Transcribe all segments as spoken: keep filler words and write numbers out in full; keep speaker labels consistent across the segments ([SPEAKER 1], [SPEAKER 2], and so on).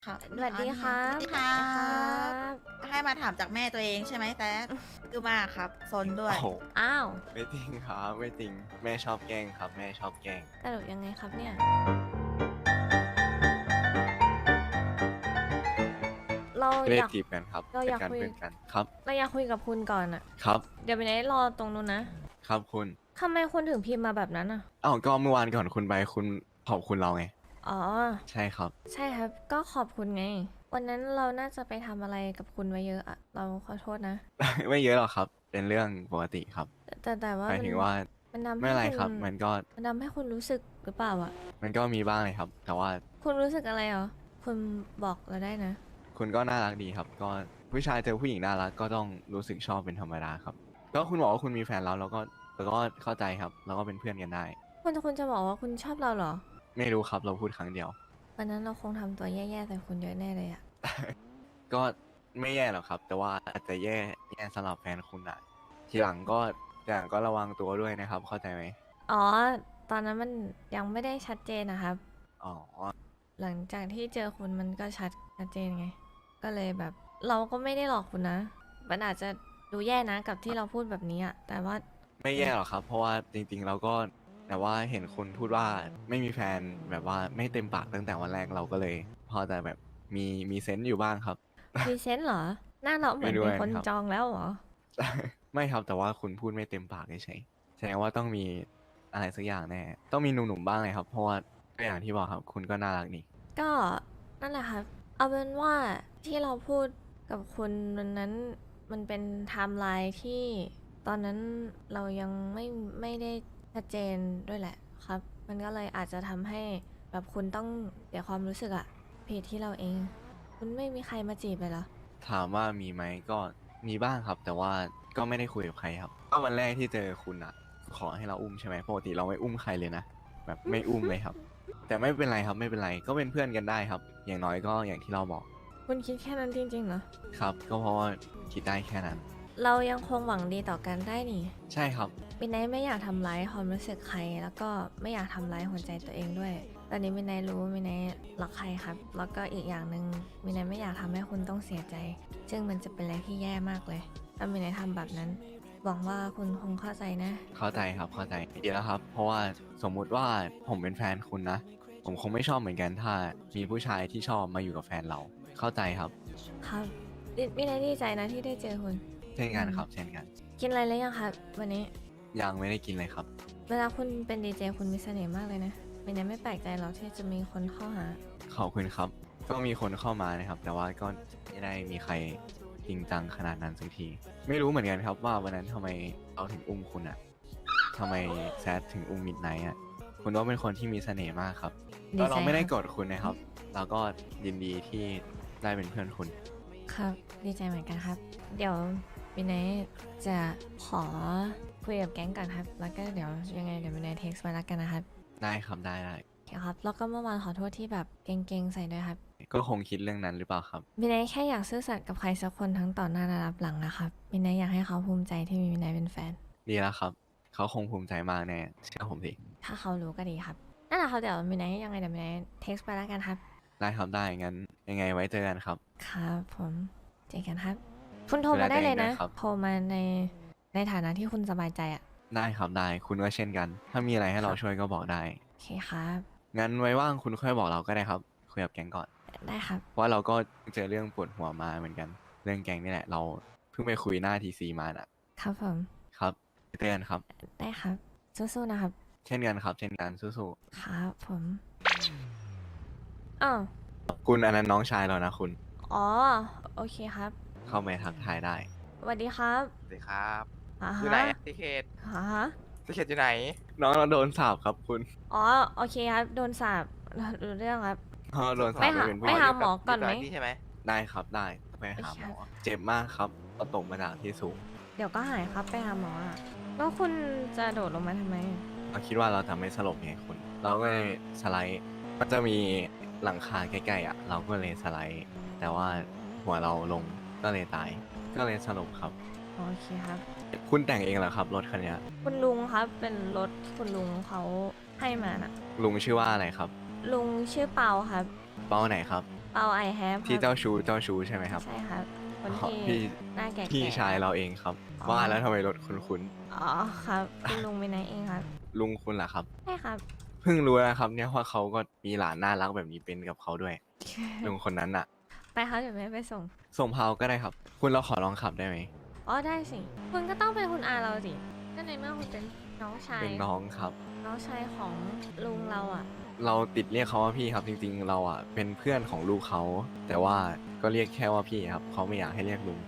[SPEAKER 1] ครับ
[SPEAKER 2] สวัสดีครับ
[SPEAKER 1] สวัสดีครั
[SPEAKER 2] สวัสดีครั
[SPEAKER 1] บ
[SPEAKER 2] บ
[SPEAKER 1] ให้มาถามจากแม่ตัวเองใช่ไหมแต่คือมากครับซนด้วย
[SPEAKER 3] โอ้โห
[SPEAKER 2] อ้าว
[SPEAKER 3] ไม่จริงครับไม่จริงแม่ชอบแกล้งครับแม่ชอบแกล้ง
[SPEAKER 2] ตลกยังไงครับเนี่ยเรา
[SPEAKER 3] ไม่ได้
[SPEAKER 2] อยาก
[SPEAKER 3] จีบกันครับ
[SPEAKER 2] เรา
[SPEAKER 3] เป็นการ
[SPEAKER 2] อยากคุย
[SPEAKER 3] เพื่อนกันครับ
[SPEAKER 2] เราอยากคุยกับคุณก่อนอะ
[SPEAKER 3] ครับ
[SPEAKER 2] เดี๋ยวไปไหนรอตรงนู้นนะ
[SPEAKER 3] ครับคุณ
[SPEAKER 2] ทำไมคุณถึงพิมพ์มาแบบนั้นอะ
[SPEAKER 3] อ้าวก็เมื่อวานก่อนคุณไปคุณขอบคุณเราไง
[SPEAKER 2] อ๋อ
[SPEAKER 3] ใช่ครับ
[SPEAKER 2] ใช่ครับก็ขอบคุณไงวันนั้นเราน่าจะไปทำอะไรกับคุณไว้เยอะอะเราขอโทษนะ
[SPEAKER 3] ไม่เยอะหรอกครับเป็นเรื่องปกติครับ
[SPEAKER 2] แต่แต่แต่ว่า
[SPEAKER 3] หมาย
[SPEAKER 2] มัน
[SPEAKER 3] ถึงว่า
[SPEAKER 2] มันทำ
[SPEAKER 3] ไม่อะไร
[SPEAKER 2] ให้คุณ
[SPEAKER 3] ครับมันก็
[SPEAKER 2] มันทำให้คุณรู้สึกหรือเปล่าอะ
[SPEAKER 3] มันก็มีบ้างเลยครับ แต่ว่า
[SPEAKER 2] คุณรู้สึกอะไรเหรอคุณบอกเราได้นะ
[SPEAKER 3] คุณก็น่ารักดีครับ ก็ผู้ชายเจอผู้หญิงน่ารักก็ต้องรู้สึกชอบเป็นธรรมดาครับก็คุณบอกว่าคุณมีแฟนแล้วเราก็เราก็เข้าใจครับเราก็เป็นเพื่อนกันได้
[SPEAKER 2] คุณคุณจะบอกว่าคุณชอบเราเหรอ
[SPEAKER 3] ไม่รู้ครับเราพูดครั้งเดียว
[SPEAKER 2] วันนั้นเราคงทำตัวแย่ๆใส่คุณเยอะแน่เลยอะ
[SPEAKER 3] ก็ไม่แย่หรอกครับ แต่ว่าอาจจะแย่แย่สำหรับแฟนคุณอะทีหลังก็ทีหลังก็ระวังตัวด้วยนะครับ เข้าใจไหม
[SPEAKER 2] อ๋อ ตอนนั้นมันยังไม่ได้ชัดเจนนะครับ
[SPEAKER 3] อ๋อ
[SPEAKER 2] หลังจากที่เจอคุณมันก็ชัดชัดเจนไง ก็เลยแบบ เราก็ไม่ได้หลอกคุณนะ มันอาจจะดูแย่นะกับที่เราพูดแบบนี้อะแต่ว่า
[SPEAKER 3] ไม่แย่หรอกครับ เพราะว่าจริงๆเราก็แต่ว่าเห็นคุณพูดว่าไม่มีแฟนแบบว่าไม่เต็มปากตั้งแต่วันแรกเราก็เลย พอจะแบบมีมีเซนต์อยู่บ้างครับ
[SPEAKER 2] มีเซนส์เหรอ หน้าเราเหมือน
[SPEAKER 3] ไม่ด้ว
[SPEAKER 2] มี
[SPEAKER 3] ย
[SPEAKER 2] คน
[SPEAKER 3] ครับ
[SPEAKER 2] จองแล้วเหรอ
[SPEAKER 3] ไม่ครับแต่ว่าคุณพูดไม่เต็มปากเฉยๆแสดงว่าต้องมีอะไรสักอย่างแน่ต้องมีหนุ่มๆบ้างเลยครับ เพราะว่าก็อย่างที่บอกครับ คุณก็น่ารักนี่
[SPEAKER 2] ก็นั่นแหละครับ เอาเป็นว่าที่เราพูดกับคุณวันนั้นมันเป็นไทม์ไลน์ที่ตอนนั้นเรายังไม่ไม่ได้ชัดเจนด้วยแหละครับ มันก็เลยอาจจะทำให้แบบคุณต้องเสียความรู้สึกอะผิดที่เราเอง คุณไม่มีใครมาจีบเลยเหรอ
[SPEAKER 3] ถามว่ามีไหมก็มีบ้างครับ แต่ว่าก็ไม่ได้คุยกับใครครับก็วันแรกที่เจอคุณอ่ะ ขอให้เราอุ้มใช่ไหมปกติเราไม่อุ้มใครเลยนะแบบไม่อุ้มเลยครับ แต่ไม่เป็นไรครับไม่เป็นไรก็เป็นเพื่อนกันได้ครับ อย่างน้อยก็อย่างที่เราบอก
[SPEAKER 2] คุณคิดแค่นั้นจริงๆเหรอ
[SPEAKER 3] ครับ ก็เพราะว่าคิดได้แค่นั้น
[SPEAKER 2] เรายังคงหวังดีต่อกันได้นี่
[SPEAKER 3] ใช่ครับ
[SPEAKER 2] มินไนท์ไม่อยากทำร้ายความรู้สึกใคร แล้วก็ไม่อยากทำร้ายหัวใจตัวเองด้วย ตอนนี้มินไนท์รู้ว่ามินไนท์รักใครครับ แล้วก็อีกอย่างหนึ่งมินไนท์ไม่อยากทำให้คุณต้องเสียใจ ซึ่งมันจะเป็นอะไรที่แย่มากเลย ถ้ามินไนท์ทำแบบนั้น หวังว่าคุณคงเข้าใจนะ
[SPEAKER 3] เข้าใจครับเข้าใจดีแล้วครับ เพราะว่าสมมุติว่าผมเป็นแฟนคุณนะผมคงไม่ชอบเหมือนกันถ้ามีผู้ชายที่ชอบมาอยู่กับแฟนเราเข้าใจครับ
[SPEAKER 2] ครับมิมินไนท์ดีใจนะที่ได้เจอคุณ
[SPEAKER 3] เช่นกันครับ เช่นกัน
[SPEAKER 2] กินอะไรแล้วยังครับวันนี้
[SPEAKER 3] ยังไม่ได้กินเลยครับ
[SPEAKER 2] เวลาคุณเป็นดีเจคุณมีเสน่ห์มากเลยนะมินไนท์ไม่แปลกใจหรอกที่จะมีคนเข้าหา
[SPEAKER 3] ขอบคุณครับ ก็มีคนเข้ามานะครับ แต่ว่าก็ไม่ได้มีใครจริงจังขนาดนั้นสักที ไม่รู้เหมือนกันครับว่าวันนั้นทำไมเราถึงอุ้มคุณอะทำไมแซดถึงอุ้มมิดไนท์อะคุณว่าเป็นคนที่มีเสน่ห์มากครับ
[SPEAKER 2] ดี
[SPEAKER 3] แล้ว
[SPEAKER 2] ใจ
[SPEAKER 3] เราไม่ได้
[SPEAKER 2] ครับ
[SPEAKER 3] โกดคุณนะครับ เราก็ยินดีที่ได้เป็นเพื่อนคุณ
[SPEAKER 2] ครับดีใจเหมือนกันครับ เดี๋ยวมินไนท์จะขอคุยกับแก๊งก่อนครับ แล้วก็เดี๋ยวยังไงเดี๋ยวมินไนท์เท็กซ์มาแล้วกันนะครับ
[SPEAKER 3] ได้ครับได้ได้
[SPEAKER 2] โอเคครับ แล้วก็เมื่อวานขอโทษที่แบบเก่งๆใส่ด้วยครับ
[SPEAKER 3] ก็คงคิดเรื่องนั้นหรือเปล่าครับ
[SPEAKER 2] มินไนท์แค่อยากซื่อสัตย์กับใครสักคนทั้งต่อหน้าและรับหลังนะครับมินไนท์อยากให้เขาภูมิใจที่มีมินไนท์เป็นแฟน
[SPEAKER 3] ดีแล้วครับ เขาคงภูมิใจมากแน่เชื่อผมสิ
[SPEAKER 2] ถ้าเขารู้ก็ดีครับนั่นแหละครับเดี๋ยวมินไนท์ยังไงเดี๋ยวมินไนท์เท็กซ์ไปแล้วกันครับ
[SPEAKER 3] ได้ครับได้งั้นยังไงไว้เจอกันครับ
[SPEAKER 2] ครับผมเจอกันครับ คุณโทรมาได้เลยนะ
[SPEAKER 3] ดูแลตัวเองด้วยครับ
[SPEAKER 2] โทรมาในในฐานะที่คุณสบายใจอ่ะ
[SPEAKER 3] ได้ครับได้คุณก็เช่นกัน ถ้ามีอะไรให้เรา
[SPEAKER 2] ครับ
[SPEAKER 3] ช่วยก็บอกได้
[SPEAKER 2] โอเคครับ
[SPEAKER 3] งั้นไว้ว่างคุณค่อยบอกเราก็ได้ครับคุยกับแก๊งก่อน
[SPEAKER 2] ได้ครับ
[SPEAKER 3] เพราะว่าเราก็เจอเรื่องปวดหัวมาเหมือนกัน เรื่องแก๊งนี่แหละ เราเพิ่งไปคุยหน้าทีซีมาน่ะ
[SPEAKER 2] ครับผม
[SPEAKER 3] ครับเตือนครับ
[SPEAKER 2] ได้ครับสู้ๆนะครับ
[SPEAKER 3] เช่นกันครับ เช่นกันสู้
[SPEAKER 2] ครับผมอ้าว
[SPEAKER 3] ๆคุณอันนั้นน้องชายเรานะคุณ
[SPEAKER 2] อ๋อโอเคครับ
[SPEAKER 3] เข้าไปทักทายได้
[SPEAKER 2] สวัสดีครับ
[SPEAKER 4] สวัสดีครับ
[SPEAKER 2] อ่า
[SPEAKER 4] อยู่
[SPEAKER 2] ฮะ
[SPEAKER 4] ไหนอะที่เขต
[SPEAKER 2] อ่าฮะ
[SPEAKER 4] ที่เขตอยู่ไหน
[SPEAKER 3] น้องเราโดนสาบครับคุณ
[SPEAKER 2] อ๋อโอเคครับโดนสาบรู้เรื่องครับ
[SPEAKER 3] น้องเราโดนสา
[SPEAKER 2] ไป
[SPEAKER 3] บ
[SPEAKER 2] หา
[SPEAKER 3] เป็นผู้
[SPEAKER 2] ไป
[SPEAKER 3] หญิง
[SPEAKER 2] หาหมอก่อนไหม
[SPEAKER 4] ยู่บที่ใช่ไหม
[SPEAKER 3] ได้ครับได้ไปหาหมอ เจ็บมากครับเราตกมาจากที่สูง
[SPEAKER 2] เดี๋ยวก็หายครับไปหาหมออ่ะแล้วคุณจะโดดลงมาทำไม
[SPEAKER 3] เราคิดว่าเราจะไม่สลบไงคุณ เราก็เลยสไลด์มันจะมีหลังคาใกล้ๆอ่ะ เราก็เลยสไลด์ แต่ว่าหัวเราลงก็เลยตาย ก็เลยสลบครับ
[SPEAKER 2] โอเคครับ
[SPEAKER 3] คุณแต่งเองเหรอครับรถคันเนี้ย
[SPEAKER 2] คุณลุงครับเป็นรถที่คุณลุงเขาให้มาน่ะ
[SPEAKER 3] ลุงชื่อว่าอะไรครับ
[SPEAKER 2] ลุงชื่อเปาครับ
[SPEAKER 3] เป้าไหนครับ
[SPEAKER 2] เปาไอแฮป
[SPEAKER 3] ที่เจ้าชู้เจ้าชู้ใช่ไหมครับ
[SPEAKER 2] ใช่ครับคน
[SPEAKER 3] อ๋อ
[SPEAKER 2] ที่
[SPEAKER 3] พี่
[SPEAKER 2] หน้าแก่ๆ
[SPEAKER 3] พี่ชายเราเองครับ
[SPEAKER 2] อ๋อ
[SPEAKER 3] ว่าแล้วทำไมรถคุ้น
[SPEAKER 2] อ๋อครับคุณลุงไปไหนเองครับ
[SPEAKER 3] ๆลุงคุณล่ะครับ
[SPEAKER 2] ใช่ครับ
[SPEAKER 3] เพิ่งรู้นะครับเนี่ยว่าเขาก็มีหลานน่ารักแบบนี้เป็นกับเขาด้วย ลุงคนนั้นน่ะ
[SPEAKER 2] ไปครับเดี๋ยวแม่ไปส่ง
[SPEAKER 3] ส่งพาวก็ได้ครับ คุณเราขอลองขับได้ไหม
[SPEAKER 2] อ๋อได้สิ คุณก็ต้องเป็นคุณอาเราสิก็ในเมื่อคุณเป็นน้องชาย
[SPEAKER 3] เป็นน้องครับ
[SPEAKER 2] น้องชายของลุงเราอ่ะ
[SPEAKER 3] เราติดเรียกเขาว่าพี่ครับ จริงๆ เราอ่ะเป็นเพื่อนของลูกเขา แต่ว่าก็เรียกแค่ว่าพี่ครับเขาไม่อยากให้เรียกลุง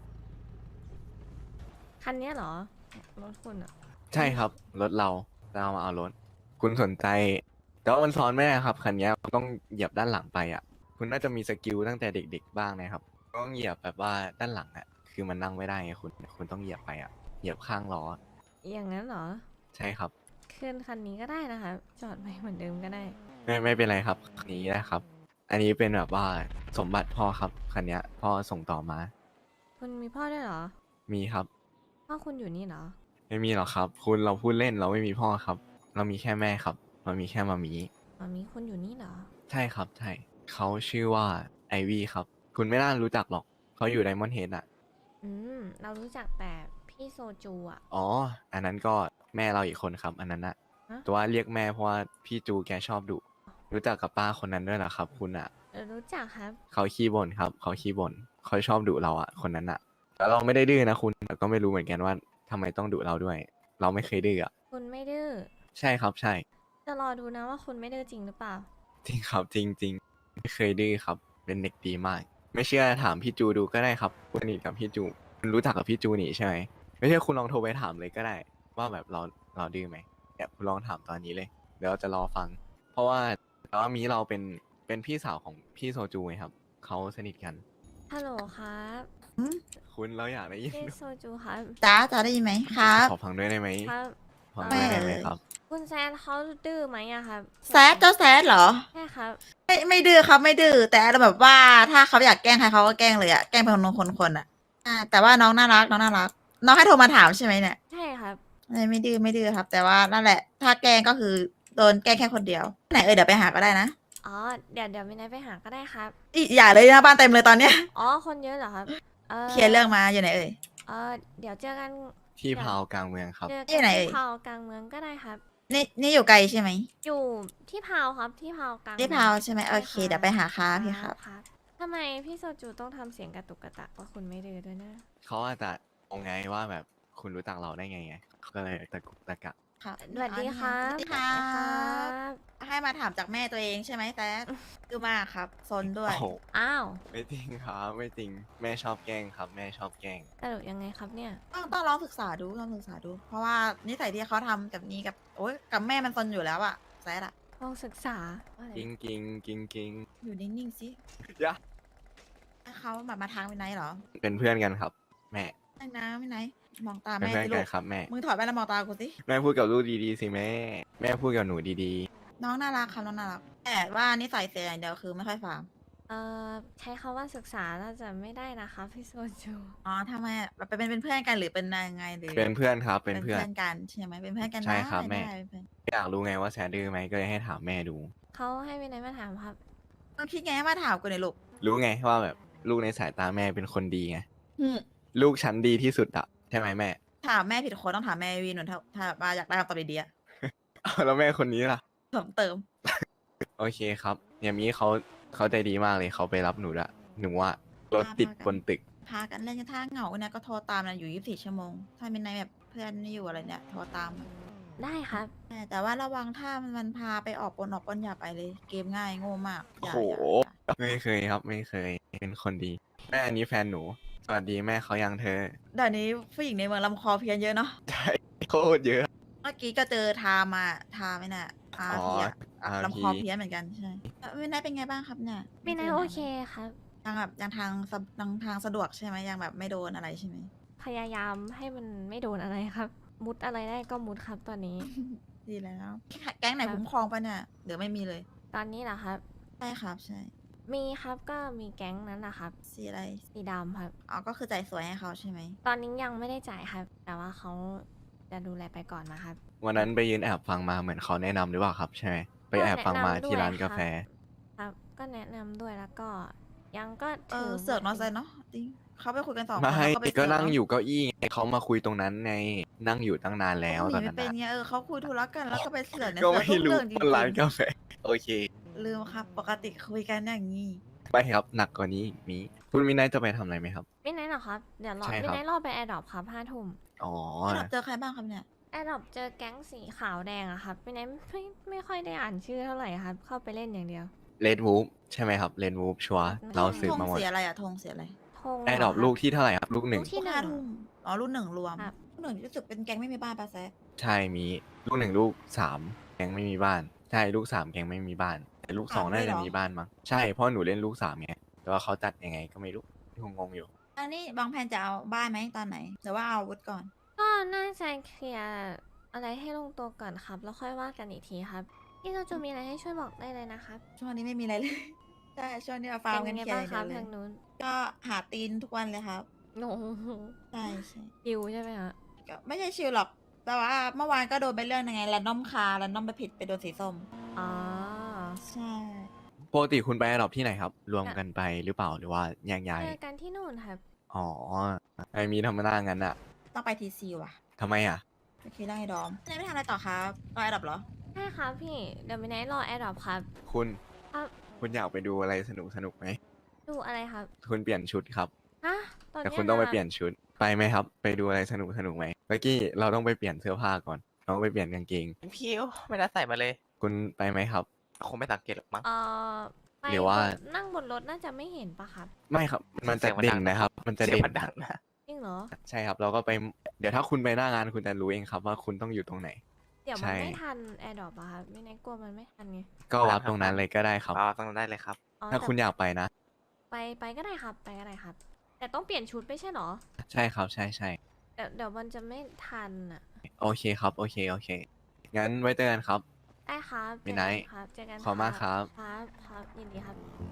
[SPEAKER 2] คันเนี้ยเหรอ รถคุณอ่ะ
[SPEAKER 3] ใช่ครับรถเราจะเอามาเอารถ คุณสนใจ แต่ว่ามันซ้อนไม่ได้ครับคันนี้ต้องเหยียบด้านหลังไปอ่ะ คุณน่าจะมีสกิลตั้งแต่เด็กๆบ้างนะครับต้องเหยียบแบบว่าด้านหลังอ่ะคือมันนั่งไม่ได้ไงคุณคุณต้องเหยียบไปอ่ะเหยียบข้างล้อ
[SPEAKER 2] อย่างนั้นเหรอ
[SPEAKER 3] ใช่ครับ
[SPEAKER 2] ขึ้นคันนี้ก็ได้นะคะจอดไปเหมือนเดิมก็ได้
[SPEAKER 3] ไม่ไม่เป็นไรครับคันนี้นะครับ อันนี้เป็นแบบว่าสมบัติพ่อครับคันนี้พ่อส่งต่อมา
[SPEAKER 2] คุณมีพ่อด้วยเหรอ
[SPEAKER 3] มีครับ
[SPEAKER 2] พ่อคุณอยู่นี่เหรอ
[SPEAKER 3] ไม่มีหรอกครับ คุณเราพูดเล่นเราไม่มีพ่อครับ เรามีแค่แม่ครับ เรามีแค่มามี
[SPEAKER 2] มามีคุณอยู่นี่เหรอ
[SPEAKER 3] ใช่ครับใช่เขาชื่อว่าไอวี่ครับ คุณไม่น่ารู้จักหรอกเขาอยู่ไดมอนด์เฮดอ่ะ
[SPEAKER 2] อืม เรารู้จักแต่พี่โซจูอ่ะ
[SPEAKER 3] อ๋อ อันนั้นก็แม่เราอีกคนครับ อันนั้นอะ
[SPEAKER 2] ฮะ
[SPEAKER 3] แต่ว่าเรียกแม่เพราะว่าพี่จูแกชอบดุรู้จักกับป้าคนนั้นด้วยเหรอครับ คุณอะ
[SPEAKER 2] เออรู้จักครับ
[SPEAKER 3] เขาขี้บ่นครับเขาขี้บ่นเขาชอบดุเราอะคนนั้นอะแต่เราไม่ได้ดื้อนะคุณแต่ก็ไม่รู้เหมือนกันว่าทำไมต้องดุเราด้วย เราไม่เคยดื้ออะ
[SPEAKER 2] คุณไม่ดื้อ
[SPEAKER 3] ใช่ครับใช่
[SPEAKER 2] จะรอดูนะว่าคุณไม่ดื้อจริงหรือเปล่า
[SPEAKER 3] จริงครับจริงจริงไม่เคยดื้อครับ เป็นเด็กดีมาก ไม่เชื่อถามพี่จูดูก็ได้ครับสนิทกับพี่จูคุณรู้จักกับพี่จูนี่ใช่ไหมไม่ใช่คุณลองโทรไปถามเลยก็ได้ ว่าแบบเราเราดื้อไหมเนี่ยคุณลองถามตอนนี้เลย เดี๋ยวเราจะรอฟัง เพราะว่าแต่ว่ามีเราเป็นเป็นพี่สาวของพี่โซจูไงครับเขาสนิทกัน
[SPEAKER 2] ฮัลโหลครับ
[SPEAKER 3] คุณเราอยากได้ยิน
[SPEAKER 2] พี่โซจูครับ
[SPEAKER 1] จ้าจ้าได้ยินไหมครับ
[SPEAKER 3] ขอฟังด้วยได้ไหม
[SPEAKER 2] ครับ
[SPEAKER 3] ฟังด้วยได้ไหม
[SPEAKER 1] ไม่
[SPEAKER 3] ครับ
[SPEAKER 2] คุณแซนเขาดื้อไหมอะครับ
[SPEAKER 1] แซดเจ้าแซดเหรอ
[SPEAKER 2] ใช่ครับ
[SPEAKER 1] ไม่ไม่ดื้อครับไม่ดื้อแต่แบบว่าถ้าเขาอยากแกล้งใครเขาก็แกล้งเลยอะแกล้งเป็นคนคนคนอะอ่าแต่ว่าน้องน่ารักน้องน่ารัก น้องให้โทรมาถามใช่ไหมเนี่ย
[SPEAKER 2] ใช่ครับ
[SPEAKER 1] ไม่ไม่ดื้อไม่ดื้อครับ แต่ว่านั่นแหละ ถ้าแกล้งก็คือโดนแกล้งแค่คนเดียวไหนเออเดี๋ยวไปหาก็ได้นะ
[SPEAKER 2] อ๋อ เดี๋ยวเดี๋ยวมินายไปหาก็ได้ครับ
[SPEAKER 1] อีอย่าเลยนะบ้านเต็มเลยตอนเนี้ย
[SPEAKER 2] อ๋อ คนเยอะเหรอครับ เออ
[SPEAKER 1] เคลียร์เรื่องมาอยู่ไหนเอ่ย
[SPEAKER 2] เออเดี๋ยวเจอกัน
[SPEAKER 3] ที่พาวกลางเมืองครับ
[SPEAKER 2] เจอ
[SPEAKER 1] ที่
[SPEAKER 2] กัน
[SPEAKER 1] ไหน
[SPEAKER 2] ที่
[SPEAKER 1] เอ่ย
[SPEAKER 2] พาวกลางเมืองก็ได้ครับ
[SPEAKER 1] นี่นี่อยู่ไกลใช่ไหม
[SPEAKER 2] อยู่ที่พาวครับ ที่พาวกลาง
[SPEAKER 1] ที่
[SPEAKER 2] เมือง
[SPEAKER 1] พาวใช่ไหมโอเค
[SPEAKER 2] ใช่รับ
[SPEAKER 1] เดี๋ยวไปหาค้าพี่ครับ
[SPEAKER 2] ครับทำไมพี่โซจูต้องทำเสียงกระตุกกระตักว่าคุณไม่ดื้อด้วยนะ
[SPEAKER 3] เขาอาจจะงงไงว่าแบบคุณรู้จักเราได้ไงไงเขาก็เลยตะกุกตะกัก
[SPEAKER 1] ครับ
[SPEAKER 2] สวัสดีครับ
[SPEAKER 1] สวัสดีครั
[SPEAKER 2] สวัสดีครับ บ
[SPEAKER 1] ให้มาถามจากแม่ตัวเองใช่ไหมแต่ดื้อมากครับซนด้วย
[SPEAKER 3] โอ้โห
[SPEAKER 2] อ้าว
[SPEAKER 3] ไม่จริงครับไม่จริงแม่ชอบแกล้งครับ แม่ชอบแกล้ง
[SPEAKER 2] สรุปยังไงครับเนี่ย
[SPEAKER 1] ต้องต้องลองศึกษาดูลองศึกษาดู เพราะว่านิสัยที่เขาทำกับนี้กับโอ๊ยกับแม่มันซนอยู่แล้วอะแซดอะ
[SPEAKER 2] ลองศึกษาว่าอะไร
[SPEAKER 3] กิงกิงกิงกิง
[SPEAKER 1] อยู่นิ่งๆสิ
[SPEAKER 3] ยะ
[SPEAKER 1] เขาแบบมาทางไปไหนเหรอ
[SPEAKER 3] เป็นเพื่อนกันครับ แม่
[SPEAKER 1] ไอ้น้ำไปไหนมองตา
[SPEAKER 3] เป็น
[SPEAKER 1] แม่
[SPEAKER 3] เพื่อน
[SPEAKER 1] สิ
[SPEAKER 3] กั
[SPEAKER 1] ลู
[SPEAKER 3] น
[SPEAKER 1] ก
[SPEAKER 3] ครับแม่
[SPEAKER 1] มึงถอดแว่นแล้วมองตากูสิ
[SPEAKER 3] แม่พูดกับลูกดีๆสิแม่ แม่พูดกับหนูดี
[SPEAKER 1] น้องน่ารักครับน้องน่ารักแต่ว่านิสัยเสียอย่างเดียวคือไม่ค่อยฟัง
[SPEAKER 2] เอ่อใช้คำว่าศึกษาน่าจะไม่ได้นะคะพี่โซจู
[SPEAKER 1] อ๋อทำไมอะแบบเป็นเป็นเพื่อนกันหรือเป็นยังไงหรือ
[SPEAKER 3] ๆ เป็นเพื่อนครับ เป็นเพื่อน
[SPEAKER 1] กันใช่ไหมเป็นเพื่อนกัน
[SPEAKER 3] ใช่ครับ
[SPEAKER 1] ได้
[SPEAKER 3] แม่
[SPEAKER 1] ได้เป็นเพื่อน
[SPEAKER 3] อยากรู้ไงว่าแซดดื้อไหมก็เลยให้ถามแม่ดู
[SPEAKER 2] เขาให้วินัยมาถามครับ
[SPEAKER 1] มึงคิดไงให้มาถามกูหน่อยลูก
[SPEAKER 3] รู้ไงว่าแบบลูกในสายตาแม่เป็นคนดีไง
[SPEAKER 1] อืม
[SPEAKER 3] ลูกฉันดีที่สุดอะใช่ไหมแม่
[SPEAKER 1] ถามแม่ผิดคนต้องถามแม่วีหนูถ้าถ้ามาอยากได้คำตอบดีๆอะ
[SPEAKER 3] อ้าวแล้วแม่คนนี้ล่ะ
[SPEAKER 1] เพิ่มเติม
[SPEAKER 3] โอเคครับอย่างนี้เขาเขาใจดีมากเลยเขาไปรับหนูละหนูว่ารถติดบนตึก
[SPEAKER 1] พากันเล่นกันถ้าเหงาเนี่ยก็โทรตามนะอยู่ยี่สิบสี่ชั่วโมง ถ้าเป็นในแบบเพื่อนไม่อยู่อะไรเนี่ยโทรตาม
[SPEAKER 2] ได้ครับ
[SPEAKER 1] แต่แต่ว่าระวังถ้ามันพาไปออกปนออกปนอย่าไปเลย เกมง่ายโง่มากอย่า
[SPEAKER 3] โอ้โห
[SPEAKER 1] อย่า
[SPEAKER 3] ไม่เคยครับไม่เคยเป็นคนดี แม่อันนี้แฟนหนู สวัสดีแม่เขายังเธอ
[SPEAKER 1] เดี๋ยวนี้ผู้หญิงในเมืองลำคอเพี้ยนเยอะเนาะ
[SPEAKER 3] ใช่โคตรเยอะ
[SPEAKER 1] เมื่อกี้ก็เจอทามาทาไหมน่ะอา
[SPEAKER 3] อ๋อ
[SPEAKER 1] เพีย
[SPEAKER 3] อา
[SPEAKER 1] ลำค
[SPEAKER 3] พี
[SPEAKER 1] อเพี้ยนเหมือนกันใช่เอ่อวินัยเป็นไงบ้างครับเนี่ย
[SPEAKER 2] วินัยโอเคครับ
[SPEAKER 1] ยังแบบยังทางสะทางทางสะดวกใช่ไหมยังแบบไม่โดนอะไรใช่ไหม
[SPEAKER 2] พยายามให้มันไม่โดนอะไรครับ มุดอะไรได้ก็มุดครับตอนนี้
[SPEAKER 1] ดีแล้วแก๊งไหน
[SPEAKER 2] ครับ
[SPEAKER 1] คุ้มครองปะเนี่ยหรือไม่มีเลย
[SPEAKER 2] ตอนนี้เหรอครับ
[SPEAKER 1] ใช่ครับใช่
[SPEAKER 2] มีครับก็มีแก๊งนั้นนะครับ
[SPEAKER 1] สีอะไร
[SPEAKER 2] สีดำครับ
[SPEAKER 1] อ๋อก็คือจ่ายสวยให้เขาใช่ไหม
[SPEAKER 2] ตอนนี้ยังไม่ได้จ่ายครับ แต่ว่าเขาจะดูแลไปก่อนนะครับ
[SPEAKER 3] วันนั้นไปยืนแอบฟังมาเหมือนเขาแนะนำหรือเปล่าครับ ใช่ไหมไปแอบฟังมาที่ร้านกาแฟ
[SPEAKER 2] ครับ ก็ก็แนะนำด้วยแล้วก็ยังก็
[SPEAKER 1] เอ
[SPEAKER 2] ถื
[SPEAKER 1] อ
[SPEAKER 2] อ
[SPEAKER 1] เสือก
[SPEAKER 2] บท
[SPEAKER 1] เนอะไซเนาะจริงเขาไปคุยกันสองคน
[SPEAKER 3] ไม่
[SPEAKER 1] แล้วเขาไปเสื
[SPEAKER 3] ก็
[SPEAKER 1] อก
[SPEAKER 3] นั่ง
[SPEAKER 1] เนาะ
[SPEAKER 3] อยู่เก้าอี้ไงเขามาคุยตรงนั้นไงนั่งอยู่ตั้งนานแล้ว
[SPEAKER 1] เขา
[SPEAKER 3] ต
[SPEAKER 1] ห
[SPEAKER 3] อน
[SPEAKER 1] นี
[SPEAKER 3] นั้
[SPEAKER 1] ไม่
[SPEAKER 3] น
[SPEAKER 1] เป็น
[SPEAKER 3] น่ะ
[SPEAKER 1] ไงเออเขาคุยธุระกันแล้วก็ไปเสือกเนี่ย
[SPEAKER 3] ก็
[SPEAKER 1] เสือก
[SPEAKER 3] ไม่
[SPEAKER 1] ทุก
[SPEAKER 3] รู้
[SPEAKER 1] เรื่องจริ
[SPEAKER 3] ว่าร้าน
[SPEAKER 1] ง
[SPEAKER 3] กาแฟโอเค
[SPEAKER 1] ๆลืมครับ ปกติคุยกันอย่างนี้
[SPEAKER 3] ไปครับหนักกว่านี้อีกมีคุณมินายจะไปทำอะไรไหมครับ
[SPEAKER 2] ไม่แน่หรอกครับ เดี๋ยวรอ
[SPEAKER 3] ใช่
[SPEAKER 2] ไม่
[SPEAKER 3] ครับ
[SPEAKER 2] ได้รอไปแอร์ดรอปครับห้าทุ่ม
[SPEAKER 3] อ๋อ
[SPEAKER 1] เราเจอใครบ้างครับเนี่ย
[SPEAKER 2] แอร์ดรอปเจอแก๊งสีขาวแดงอะครับไม่แน่ไม่ไม่ค่อยได้อ่านชื่อเท่าไหร่ครับ เข้าไปเล่นอย่างเดียว
[SPEAKER 3] เลดวูฟใช่ไหมครับเลดวูฟชัวร์
[SPEAKER 2] ธง
[SPEAKER 3] เราสืบ
[SPEAKER 1] ธง
[SPEAKER 3] มาหมด
[SPEAKER 1] เสียอะไรอะธงเสียอะไร
[SPEAKER 2] ธง
[SPEAKER 3] แอร์ดรอป
[SPEAKER 2] เห
[SPEAKER 3] ลู
[SPEAKER 2] ค
[SPEAKER 3] ก
[SPEAKER 2] บ
[SPEAKER 3] ที่เท่าไหร่ครับ ลูกหนึ่ง
[SPEAKER 2] ลูกที่
[SPEAKER 1] ลูกห้าทุ่มอ๋อรุ่นหนึ่งรวม
[SPEAKER 2] ครับ
[SPEAKER 1] รุ่นหนึ่งรู้สึกเป็นแก๊งไม่มีบ้านปะแซะ
[SPEAKER 3] ใช่มีลูกหนึ่งลูกสามแกงไม่มีบ้าน ใช่ลูกสามแกงไม่มีบ้าน แต่ลูกสอง
[SPEAKER 1] สาม
[SPEAKER 3] น่า
[SPEAKER 1] เลยเหร
[SPEAKER 3] จะ
[SPEAKER 1] อ
[SPEAKER 3] มีบ้านมั้งใช่เพราะหนูเล่นลูกสามไงแต่ว่าเขาจัดยังไงก็ไม่รู้งงๆอยู่
[SPEAKER 1] อันนี้บางแผนจะเอาบ้านไหมตอนไหนหรือว่าเอาอาวุธก่อน
[SPEAKER 2] ก็น่าจะเคลียร์อะไรให้ลงตัวก่อนครับ แล้วค่อยว่ากันอีกทีครับพี่โจจูมีอะไรให้ช่วยบอกได้เลยนะครับ
[SPEAKER 1] ช่วงนี้ไม่มีอะไรเลย ใช่ช่วงนี้เอาฟาร์ม
[SPEAKER 2] เป็
[SPEAKER 1] กัน น
[SPEAKER 2] ยัง
[SPEAKER 1] เคลี
[SPEAKER 2] ไง
[SPEAKER 1] ยร์
[SPEAKER 2] บ้าง
[SPEAKER 1] อ
[SPEAKER 2] ค
[SPEAKER 1] ย่า
[SPEAKER 2] รับ
[SPEAKER 1] งเดียวเลย
[SPEAKER 2] ทางนู้น
[SPEAKER 1] ก็หาตีนทุกวันเลยครับ
[SPEAKER 2] โอ้โห
[SPEAKER 1] ใช่ใช่
[SPEAKER 2] ยิวใช่ไหมฮะ
[SPEAKER 1] ก็ไม่ใช่ชิลหรอก แต่ว่าเมื่อวานก็โดนไปเรื่องยังไงแรนดอมคาแรนดอมไปผิดไปโดนสีส้ม
[SPEAKER 2] อ๋อ
[SPEAKER 1] ใช่
[SPEAKER 3] ปกติคุณไปแอร์ดรอปที่ไหนครับ รวมกันไปหรือเปล่าหรือว่าแยกย้าย
[SPEAKER 2] เจอกันที่นู่นครับ
[SPEAKER 3] อ๋อไอมีธรรมดางั้นอะ
[SPEAKER 1] ต้องไปทีซีว่ะ
[SPEAKER 3] ทำไมอะ
[SPEAKER 1] ไปคุยเรื่องไอ้ดอมไม่ทำอะไรต่อครับรอไอ้ดับเหรอ
[SPEAKER 2] ใช่ครับพี่ เดี๋ยวมินายรอแอร์ดรอปครับ
[SPEAKER 3] คุณ
[SPEAKER 2] ครับ
[SPEAKER 3] คุณอยากไปดูอะไรสนุกสนุกไหม
[SPEAKER 2] ดูอะไรครับ
[SPEAKER 3] คุณเปลี่ยนชุดครับ
[SPEAKER 2] ฮะ ตอน
[SPEAKER 3] แต่
[SPEAKER 2] เนี้ย
[SPEAKER 3] คุณต้องไป
[SPEAKER 2] ะ
[SPEAKER 3] เปลี่ยนชุดไปไหมครับ ไปดูอะไรสนุกสนุกไหมเมื่อกี้เราต้องไปเปลี่ยนเสื้อผ้าก่อนเราต้องไปเปลี่ยนกางเกง
[SPEAKER 4] พี่ไม่ได้ใส่มาเลย
[SPEAKER 3] คุณไปไหมครับ
[SPEAKER 4] คงไม่สังเกตหรอกมั้ง
[SPEAKER 2] เอ่อไป
[SPEAKER 3] หรือว่า
[SPEAKER 2] บนนั่งบนรถน่าจะไม่เห็นปะครับ
[SPEAKER 3] ไม่ครับ มันจะ
[SPEAKER 4] เสียงมัน
[SPEAKER 3] เด่
[SPEAKER 4] ดั
[SPEAKER 3] น
[SPEAKER 4] งนะ
[SPEAKER 3] นะครับ มันจะ
[SPEAKER 4] เสีย
[SPEAKER 3] เด่
[SPEAKER 4] ง
[SPEAKER 3] น
[SPEAKER 4] มันดังนะ
[SPEAKER 2] จริงเหรอ
[SPEAKER 3] ใช่ครับ เราก็ไปเดี๋ยวถ้าคุณไปหน้างานคุณจะรู้เองครับ ว่าคุณต้องอยู่ตรงไหน
[SPEAKER 2] เดี๋ยว
[SPEAKER 3] ใช่
[SPEAKER 2] มันไม่ทันแอร์ดรอปอะครับมินายกลัวมันไม่ทันไง
[SPEAKER 3] ก็วัดตรงนั้นเลยก็ได้ครับ
[SPEAKER 4] มาต้องได้เลยครับ
[SPEAKER 2] อ๋อ
[SPEAKER 3] ถ้า
[SPEAKER 2] แต่
[SPEAKER 3] คุณอยากไปนะ
[SPEAKER 2] ไปไปก็ได้ครับ ไปก็ได้ครับ แต่ต้องเปลี่ยนชุดไม่ใช่เหรอ
[SPEAKER 3] ใช่ครับ ใช่ใช่
[SPEAKER 2] เดี๋ยวเดี๋ยวมันจะไม่ทันอะ
[SPEAKER 3] โอเคครับ โอเคโอเคงั้นไว้เจอกันครับ
[SPEAKER 2] ได้ครับ
[SPEAKER 3] มินาย
[SPEAKER 2] เจอกัครับเจอกัน
[SPEAKER 3] ขอบคุณมากครับ
[SPEAKER 2] ครับครับยินดีครับ